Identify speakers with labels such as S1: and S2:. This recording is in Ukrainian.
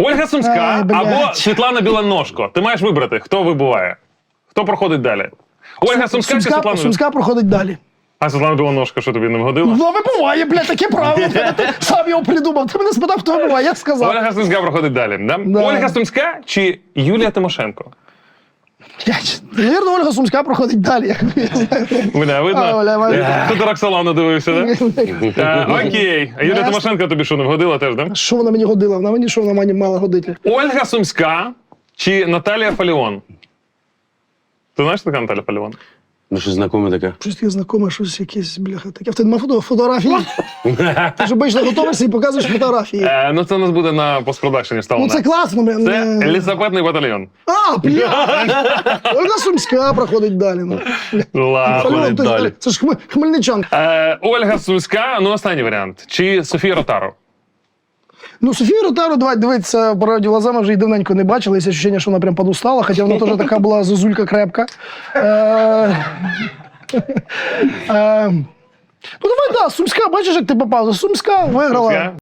S1: Ольга Сумська
S2: Ай, блядь.
S1: або Світлана Білоножко. Ти маєш вибрати, хто вибуває. Хто проходить далі? Ольга Сумська чи Світлана Білоножко?
S2: Сумська проходить далі.
S1: А Світлана Білоножко, що тобі не вгодила?
S2: Ну, вибуває, блядь, таке правило. Ти сам його придумав. Ти мене спитав, хто вибуває, я сказав.
S1: Ольга Сумська проходить далі, да?
S2: Да.
S1: Ольга Сумська чи Юлія Тимошенко?
S2: Навірно, Ольга Сумська проходить далі.
S1: Бля, видно?
S2: Бля.
S1: Хто Роксолану дивився, да? Окей. А Юлія Тимошенко тобі що, не вгодила теж, да?
S2: Що вона мені годила? Вона мені що вона мені мала годити?
S1: Ольга Сумська чи Наталія Фаліон? Ти знаєш, що така Наталія Фаліон?
S3: Ну, що знакоме таке.
S2: Щось таке знакоме, щось якесь, бляха, таке. В тебе нема фотографії? Ти ж обично готуєшся і показуєш фотографії.
S1: Ну це у нас буде на постпродакшені
S2: Ну
S1: вставлено.
S2: це класно, блін.
S1: Це лісопедний батальйон.
S2: А, блядь! Ольга Сумська проходить далі. Ну.
S1: Ладно.
S2: Фальон,
S3: далі.
S2: це ж Хмельничан.
S1: Ольга Сумська, ну останній варіант. Чи Софія Ротару?
S2: Ну, Софію Ротару, давай дивитися, по радіо глазами вже і давненько не бачили. Є відчуття, що вона прям подустала, хоча вона теж така була зозулька крепка. Ну, давай, да, Сумська, бачиш, як ти попав. Сумська виграла.
S1: Сумська?